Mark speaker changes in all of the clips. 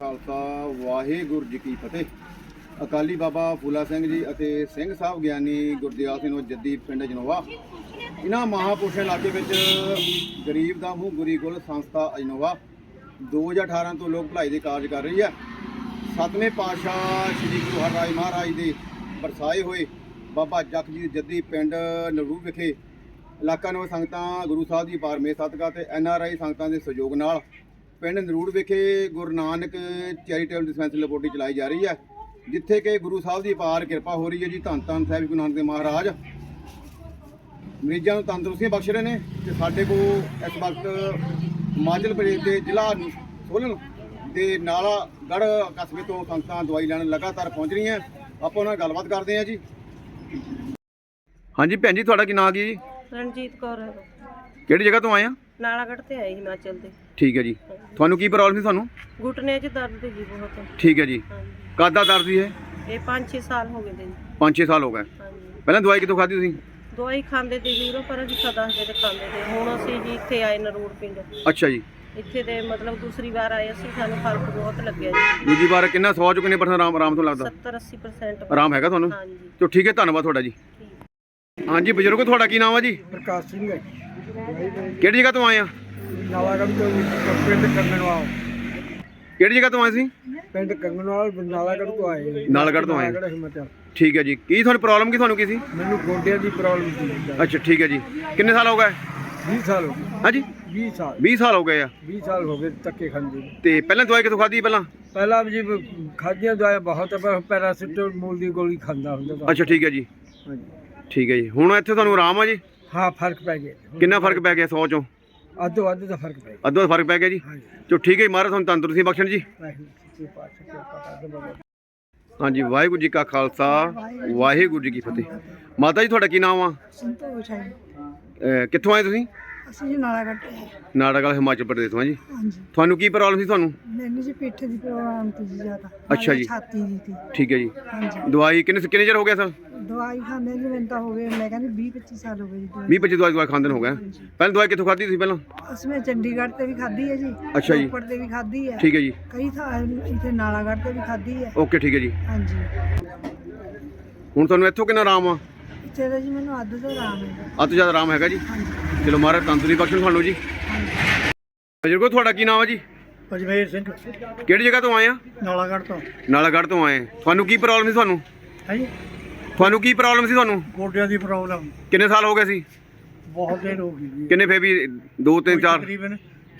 Speaker 1: ਖਾਲਸਾ ਵਾਹਿਗੁਰੂ ਜੀ ਕੀ ਫਤਿਹ। ਅਕਾਲੀ ਬਾਬਾ ਫੂਲਾ ਸਿੰਘ ਜੀ ਅਤੇ ਸਿੰਘ ਸਾਹਿਬ ਗਿਆਨੀ ਗੁਰਦਿਆਲ ਸਿੰਘ ਜੱਦੀ ਪਿੰਡ ਜਨੋਵਾ, ਇਹਨਾਂ ਮਹਾਂਪੁਰਸ਼ਾਂ ਇਲਾਕੇ ਵਿੱਚ ਗਰੀਬ ਦਾ ਮੂੰਹ ਗੁਰੀ ਗੁਲ ਸੰਸਥਾ ਅਜਨੋਵਾ 2018 ਤੋਂ ਲੋਕ ਭਲਾਈ ਦੇ ਕਾਰਜ ਕਰ ਰਹੀ ਹੈ। 7ਵੇਂ ਪਾਤਸ਼ਾਹ ਸ੍ਰੀ ਗੁਰੂ ਹਰਿਰਾਏ ਮਹਾਰਾਜ ਦੇ ਬਰਸਾਏ ਹੋਏ ਬਾਬਾ ਜੱਖ ਜੀ ਜੱਦੀ ਪਿੰਡ ਨਰੂ ਵਿਖੇ ਇਲਾਕਾ ਨਿਵਾਸੀ ਸੰਗਤਾਂ ਗੁਰੂ ਸਾਹਿਬ ਦੀ ਬਾਰਮੇ ਸਦਕਾ ਤੇ NRI ਸੰਗਤਾਂ ਦੇ ਸਹਿਯੋਗ ਨਾਲ ਪਿੰਡ ਨਰੂੜ ਵਿਖੇ Guru Nanak charitable dispensary laboratory ਚਲਾਈ ਜਾ ਰਹੀ ਹੈ, ਜਿੱਥੇ ਕਿ ਗੁਰੂ ਸਾਹਿਬ ਦੀ ਅਪਾਰ ਕਿਰਪਾ ਹੋ ਰਹੀ ਹੈ ਜੀ। ਧੰਨ ਧੰਨ ਸਾਹਿਬ ਗੁਰੂ ਨਾਨਕ ਦੇਵ ਮਹਾਰਾਜ ਮਰੀਜ਼ਾਂ ਨੂੰ ਤੰਦਰੁਸਤੀਆਂ ਬਖਸ਼ ਰਹੇ ਨੇ। ਤੇ ਸਾਡੇ ਕੋਲ ਇਸ ਵਕਤ ਹਿਮਾਚਲ ਪ੍ਰਦੇਸ਼ ਦੇ ਜ਼ਿਲ੍ਹਾ ਸੋਲਨ ਦੇ ਨਾਲਾਗੜ੍ਹ ਕਸਬੇ ਤੋਂ ਸੰਗਤਾਂ ਦਵਾਈ ਲੈਣ ਲਗਾਤਾਰ ਪਹੁੰਚ ਰਹੀਆਂ। ਆਪਾਂ ਉਹਨਾਂ ਨਾਲ ਗੱਲਬਾਤ ਕਰਦੇ ਹਾਂ ਜੀ। ਹਾਂਜੀ ਭੈਣ ਜੀ, ਤੁਹਾਡਾ ਕੀ ਨਾਮ ਕੀ ਜੀ?
Speaker 2: ਰਣਜੀਤ ਕੌਰ।
Speaker 1: ਕਿਹੜੀ ਜਗ੍ਹਾ ਤੋਂ ਆਏ ਆ?
Speaker 2: ਨਾਲਾਗੜ੍ਹ ਤੇ ਆਏ ਹਿਮਾਚਲ ਦੇ।
Speaker 1: ਠੀਕ ਹੈ ਜੀ। ਤੁਹਾਨੂੰ ਕੀ ਪ੍ਰੋਬਲਮ ਸੀ? ਤੁਹਾਨੂੰ
Speaker 2: ਘੁਟਨੇ 'ਚ ਦਰਦ ਸੀ ਬਹੁਤ।
Speaker 1: ਠੀਕ ਹੈ ਜੀ। ਕਦ ਦਾ ਦਰਦ ਸੀ ਇਹ?
Speaker 2: ਇਹ 5-6 ਸਾਲ ਹੋ ਗਏ ਨੇ।
Speaker 1: 5-6 ਸਾਲ ਹੋ ਗਏ। ਪਹਿਲਾਂ ਦਵਾਈ ਕਿੱਥੋਂ ਖਾਧੀ ਤੁਸੀਂ?
Speaker 2: ਦਵਾਈ ਖਾਂਦੇ ਤੇ ਜ਼ੀਰੋ ਪਰ ਜੀ ਦੱਸਦੇ ਤੇ ਖਾਂਦੇ ਤੇ। ਹੁਣ ਅਸੀਂ ਜੀ ਇੱਥੇ ਆਏ ਨਰੂੜ ਪਿੰਡ।
Speaker 1: ਅੱਛਾ ਜੀ।
Speaker 2: ਇੱਥੇ ਦੇ ਮਤਲਬ ਦੂਸਰੀ ਵਾਰ ਆਏ ਅਸੀਂ, ਸਾਨੂੰ ਫਰਕ ਬਹੁਤ ਲੱਗਿਆ ਜੀ।
Speaker 1: ਦੂਜੀ ਵਾਰ ਕਿੰਨਾ 100 ਚੋਂ ਕਿੰਨੇ % ਆਰਾਮ ਤੋਂ ਲੱਗਦਾ?
Speaker 2: 70-80%
Speaker 1: ਆਰਾਮ ਹੈਗਾ ਤੁਹਾਨੂੰ?
Speaker 2: ਹਾਂਜੀ।
Speaker 1: ਚਲੋ ਠੀਕ ਹੈ, ਧੰਨਵਾਦ ਤੁਹਾਡਾ ਜੀ। ਹਾਂਜੀ ਬਜ਼ੁਰਗੋ, ਤੁਹਾਡਾ ਕੀ ਨਾਮ ਹੈ ਜੀ?
Speaker 3: ਪ੍ਰਕਾਸ਼ ਸਿੰਘ ਹੈ।
Speaker 1: ਕਿਹੜੀ ਜਗ੍ਹਾ ਤੋਂ ਆਏ ਆ?
Speaker 3: ਨਾਲਾਗੜ੍ਹ ਤੋਂ ਪਿੰਡ ਕੰਗਣਵਾਲ।
Speaker 1: ਕਿਹੜੀ ਜਗ੍ਹਾ ਤੋਂ ਆਏ ਸੀ?
Speaker 3: ਪਿੰਡ ਕੰਗਣਵਾਲ ਨਾਲਾਗੜ੍ਹ ਤੋਂ ਆਏ।
Speaker 1: ਨਾਲਾਗੜ੍ਹ ਤੋਂ ਆਏ।
Speaker 3: ਹਿਮਾਚਲ।
Speaker 1: ਠੀਕ ਹੈ ਜੀ। ਕੀ ਤੁਹਾਨੂੰ ਪ੍ਰੋਬਲਮ ਤੁਹਾਨੂੰ ਕੀ ਸੀ?
Speaker 3: ਮੈਨੂੰ ਗੋਡਿਆਂ ਦੀ ਪ੍ਰੋਬਲਮ ਸੀ।
Speaker 1: ਅੱਛਾ ਠੀਕ ਹੈ ਜੀ। ਕਿੰਨੇ ਸਾਲ ਹੋ ਗਏ?
Speaker 3: 20 ਸਾਲ ਹੋ ਗਏ।
Speaker 1: ਹਾਂਜੀ
Speaker 3: 20 ਸਾਲ।
Speaker 1: 20 ਸਾਲ ਹੋ ਗਏ ਆ।
Speaker 3: 20 ਸਾਲ ਹੋ ਗਏ ਧੱਕੇ ਖਾਂਦੇ ਨੂੰ।
Speaker 1: ਤੇ ਪਹਿਲਾਂ ਦਵਾਈ ਕਿੱਥੋਂ ਖਾਧੀ ਪਹਿਲਾਂ?
Speaker 3: ਪਹਿਲਾਂ ਜੀ ਖਾਧੀਆਂ ਦਵਾਈਆਂ ਬਹੁਤ, ਪਰ ਪੈਰਾਸੀਟਾਮੋਲ ਦੀ ਗੋਲੀ ਖਾਂਦਾ ਹੁੰਦਾ ਤਾਂ।
Speaker 1: ਅੱਛਾ ਠੀਕ ਹੈ ਜੀ।
Speaker 3: ਹਾਂਜੀ
Speaker 1: ਠੀਕ ਹੈ ਜੀ। ਹੁਣ ਇੱਥੇ ਤੁਹਾਨੂੰ ਆਰਾਮ ਆ ਜੀ?
Speaker 3: ਹਾਂ, ਫਰਕ ਪੈ ਗਿਆ।
Speaker 1: ਕਿੰਨਾ ਫਰਕ ਪੈ ਗਿਆ 100 ਚੋਂ?
Speaker 3: ਅੱਧੋ ਅੱਧ ਦਾ ਫਰਕ ਪੈ ਗਿਆ।
Speaker 1: ਅੱਧੋ ਫਰਕ ਪੈ ਗਿਆ ਜੀ।
Speaker 3: ਹਾਂਜੀ।
Speaker 1: ਚਲੋ ਠੀਕ ਹੈ ਜੀ, ਮਹਾਰਾਜ ਤੁਹਾਨੂੰ ਤੰਦਰੁਸਤੀ ਬਖਸ਼ਣ ਜੀ।
Speaker 3: ਵਾਹਿਗੁਰੂ ਜੀ ਕੀ ਫਤਿਹ।
Speaker 1: ਹਾਂਜੀ, ਵਾਹਿਗੁਰੂ ਜੀ ਕਾ ਖਾਲਸਾ ਵਾਹਿਗੁਰੂ ਜੀ ਕੀ ਫਤਿਹ। ਮਾਤਾ ਜੀ, ਤੁਹਾਡਾ ਕੀ ਨਾਮ ਆ?
Speaker 4: ਸੰਤੋਸ਼ ਹੈ।
Speaker 1: ਕਿੱਥੋਂ ਆਏ ਤੁਸੀਂ?
Speaker 4: ਅਸੀਂ ਜੀ ਨਾਲਾਗੜ੍ਹ ਤੋਂ ਆਏ।
Speaker 1: ਨਾਟਕਲ ਹਿਮਾਚਲ ਪ੍ਰਦੇਸ਼ ਤੋਂ ਆ ਜੀ।
Speaker 4: ਹਾਂਜੀ।
Speaker 1: ਤੁਹਾਨੂੰ ਕੀ ਪ੍ਰੋਬਲਮ ਸੀ ਤੁਹਾਨੂੰ?
Speaker 4: ਮੈਨੂੰ ਜੀ ਪਿੱਠ ਦੀ ਪ੍ਰੋਬਲਮ ਸੀ ਜ਼ਿਆਦਾ।
Speaker 1: ਅੱਛਾ ਜੀ।
Speaker 4: ਛਾਤੀ ਦੀ ਸੀ।
Speaker 1: ਠੀਕ ਹੈ ਜੀ।
Speaker 4: ਹਾਂਜੀ।
Speaker 1: ਦਵਾਈ ਕਿੰਨੇ ਚਿਰ ਹੋ ਗਿਆ ਸਰ?
Speaker 4: ਦਵਾਈ ਖਾਂਦੇ ਜੀ ਮੈਨੂੰ ਤਾਂ ਹੋ ਗਏ, ਮੈਂ ਕਹਿੰਦੀ 20-25 ਸਾਲ ਹੋ ਗਏ ਜੀ ਦਵਾਈ।
Speaker 1: 20-25 ਦਵਾਈ ਖਾਂਦੇ ਨੂੰ ਹੋ ਗਿਆ। ਪਹਿਲਾਂ ਦਵਾਈ ਕਿੱਥੋਂ ਖਾਧੀ ਤੁਸੀਂ ਪਹਿਲਾਂ?
Speaker 4: ਅਸੀਂ ਚੰਡੀਗੜ੍ਹ ਤੇ ਵੀ ਖਾਧੀ ਹੈ ਜੀ।
Speaker 1: ਅੱਛਾ ਜੀ।
Speaker 4: ਰੋਪੜ ਤੇ ਵੀ ਖਾਧੀ ਹੈ।
Speaker 1: ਠੀਕ ਹੈ ਜੀ।
Speaker 4: ਕਈ ਥਾਂ ਇੱਥੇ ਨਾਲਾਗੜ੍ਹ ਤੇ ਵੀ ਖਾਧੀ ਹੈ।
Speaker 1: ਓਕੇ ਠੀਕ ਹੈ ਜੀ।
Speaker 4: ਹਾਂਜੀ।
Speaker 1: ਹੁਣ ਤੁਹਾਨੂੰ ਇੱਥੋਂ ਕਿੰਨਾ ਆਰਾਮ ਆ?
Speaker 4: ਇੱਥੇ ਤਾਂ ਜੀ ਮੈਨੂੰ ਅੱਧ ਤੋਂ ਆਰਾਮ ਹੈ।
Speaker 1: ਅੱਧ ਤੋਂ ਜ਼ਿਆਦਾ ਆਰਾਮ ਹੈਗਾ ਜੀ।
Speaker 4: ਹਾਂਜੀ।
Speaker 1: ਚਲੋ ਮਹਾਰਾਜ ਤੰਦਰੁਸਤੀ ਬਖਸ਼ਣ ਤੁਹਾਨੂੰ ਜੀ। ਬਜ਼ੁਰਗੋ, ਤੁਹਾਡਾ ਕੀ ਨਾਮ ਹੈ ਜੀ?
Speaker 3: ਅਜਮੇਰ ਸਿੰਘ
Speaker 1: ਕਿਹੜੀ ਜਗ੍ਹਾ ਤੋਂ ਆਏ ਆ?
Speaker 3: ਨਾਲਾਗੜ੍ਹ ਤੋਂ।
Speaker 1: ਨਾਲਾਗੜ੍ਹ ਤੋਂ ਆਏ। ਤੁਹਾਨੂੰ ਕੀ ਪ੍ਰੋਬਲਮ ਸੀ ਤੁਹਾਨੂੰ?
Speaker 3: ਹੈ ਜੀ,
Speaker 1: ਤੁਹਾਨੂੰ ਕੀ ਪ੍ਰੋਬਲਮ ਸੀ ਤੁਹਾਨੂੰ?
Speaker 3: ਗੋਡਿਆਂ ਦੀ ਪ੍ਰੋਬਲਮ
Speaker 1: ਕਿੰਨੇ ਸਾਲ ਹੋ ਗਏ ਸੀ?
Speaker 3: ਬਹੁਤ ਦੇਰ ਹੋ ਗਈ ਜੀ।
Speaker 1: ਕਿੰਨੇ ਫੇ ਵੀ 2 3 4
Speaker 3: ਤਕਰੀਬਨ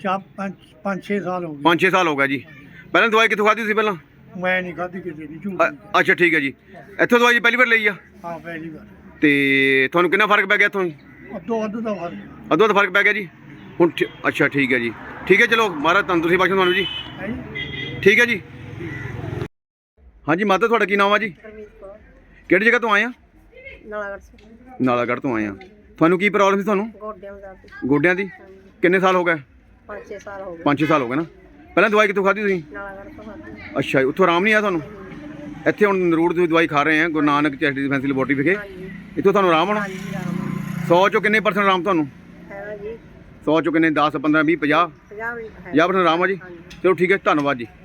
Speaker 3: 5-6 ਸਾਲ ਹੋ ਗਏ।
Speaker 1: 5-6 ਸਾਲ ਹੋ ਗਿਆ ਜੀ। ਪਹਿਲਾਂ ਦਵਾਈ ਕਿੱਥੋਂ ਖਾਧੀ ਸੀ ਪਹਿਲਾਂ?
Speaker 3: ਮੈਂ ਨਹੀਂ ਖਾਧੀ ਕਿਸੇ ਦੀ, ਝੂਠ ਨਹੀਂ।
Speaker 1: ਅੱਛਾ ਠੀਕ ਹੈ ਜੀ। ਇੱਥੋਂ ਦਵਾਈ ਪਹਿਲੀ ਵਾਰ ਲਈ ਆ?
Speaker 3: ਹਾਂ, ਪਹਿਲੀ ਵਾਰ।
Speaker 1: ਤੇ ਤੁਹਾਨੂੰ ਕਿੰਨਾ ਫਰਕ ਪੈ ਗਿਆ ਇੱਥੋਂ?
Speaker 3: ਅੱਧੋ ਅੱਧ ਦਾ ਫਰਕ
Speaker 1: ਅੱਧੋ ਅੱਧ ਫਰਕ ਪੈ ਗਿਆ ਜੀ। ਹੁਣ ਅੱਛਾ ਠੀਕ ਹੈ ਜੀ। ਠੀਕ ਹੈ, ਚਲੋ ਮਹਾਰਾਜ ਤੰਦਰੁਸਤੀ ਬਖਸ਼ਣ ਤੁਹਾਨੂੰ ਜੀ।
Speaker 3: ਹੈ ਜੀ।
Speaker 1: ਠੀਕ ਹੈ ਜੀ। ਹਾਂਜੀ ਮਾਤਾ, ਤੁਹਾਡਾ ਕੀ ਨਾਮ ਆ ਜੀ?
Speaker 2: ਰਣਜੀਤ ਕੌਰ।
Speaker 1: ਕਿਹੜੀ ਜਗ੍ਹਾ ਤੋਂ ਆਏ ਆ?
Speaker 2: ਨਾਲਾਗੜ੍ਹ ਤੋਂ।
Speaker 1: ਨਾਲਾਗੜ੍ਹ ਤੋਂ ਆਏ ਆ। ਤੁਹਾਨੂੰ ਕੀ ਪ੍ਰੋਬਲਮ ਸੀ ਤੁਹਾਨੂੰ?
Speaker 2: ਗੋਡਿਆਂ ਦਾ ਦਰਦ।
Speaker 1: ਗੋਡਿਆਂ ਦੀ? ਕਿੰਨੇ ਸਾਲ ਹੋ ਗਏ?
Speaker 2: 5-6 ਸਾਲ ਹੋ ਗਏ।
Speaker 1: 5-6 ਸਾਲ ਹੋ ਗਏ ਨਾ। ਪਹਿਲਾਂ ਦਵਾਈ ਕਿੱਥੋਂ ਖਾਧੀ ਤੁਸੀਂ?
Speaker 2: ਨਾਲਾਗੜ੍ਹ ਤੋਂ ਖਾਧੀ।
Speaker 1: ਅੱਛਾ ਜੀ। ਉੱਥੋਂ ਆਰਾਮ ਨਹੀਂ ਆਇਆ ਤੁਹਾਨੂੰ? ਇੱਥੇ ਹੁਣ ਨਰੂੜ ਦੀ ਦਵਾਈ ਖਾ ਰਹੇ ਆ Guru Nanak charitable dispensary laboratory ਵਿਖੇ।
Speaker 2: ਹਾਂਜੀ।
Speaker 1: ਇੱਥੋਂ ਤੁਹਾਨੂੰ ਆਰਾਮ ਆਉਣਾ?
Speaker 2: ਹਾਂਜੀ ਆਰਾਮ
Speaker 1: 100 ਚੋਂ ਕਿੰਨੇ % ਆਰਾਮ ਤੁਹਾਨੂੰ?
Speaker 2: ਹੈਗਾ ਜੀ।
Speaker 1: 100 ਚੋਂ ਕਿੰਨੇ? 10 15 20 50
Speaker 2: 50 ਮਿੰਟ ਹੈ।
Speaker 1: 50% ਆਰਾਮ ਆ ਜੀ। ਚਲੋ ਠੀਕ ਹੈ, ਧੰਨਵਾਦ ਜੀ।